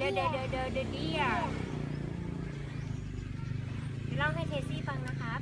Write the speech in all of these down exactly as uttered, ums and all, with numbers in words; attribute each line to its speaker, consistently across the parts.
Speaker 1: เดเดเดเดเดเดียเล่าให้เทซี่ฟังนะครับ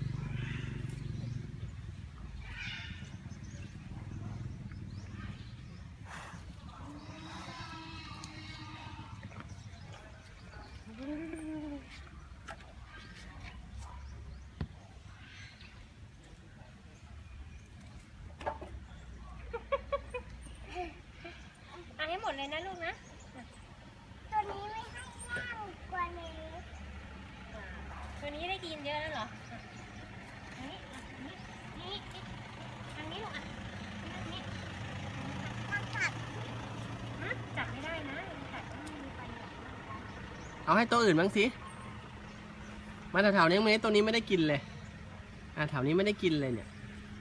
Speaker 1: เอาให้หมดเลยนะลูกนะ
Speaker 2: ตัวนี้ไม่ให้ย่างกว่านี้
Speaker 1: ตัวนี้ได้กินเยอะแล้วเหรออันนี้อันนี้นี่อันนี้ลูกอ่ะนี่
Speaker 2: มันกัด
Speaker 1: จับไม่ได้นะจับไม่มีฟัน
Speaker 3: เอาให้ตัวอื่นบ้างสิมาแถวๆนี้ไหมตัวนี้ไม่ได้กินเลยอ่ะแถวนี้ไม่ได้กินเลยเนี่ย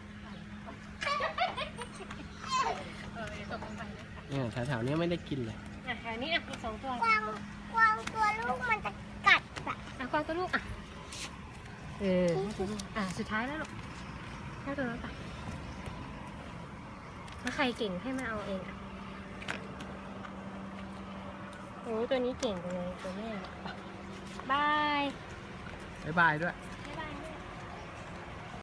Speaker 3: เนี่ยแถวๆนี้ไม่ได้กินเลย
Speaker 1: อ่ะแถวนี้อ่ะมีสองตัว
Speaker 2: กวางกวางตัวลูกมันจะกัดอะ
Speaker 1: อ่ะกวางตัวลูกอ่ะเอออ่ะสุดท้ายแล้วลูกให้ตัวนั้นไปถ้าใครเก่งให้มาเอาเองอ่ะโอ้ตัวนี้เก่งจังเลยตัวแม่บาย
Speaker 3: บ๊ายบายด้วย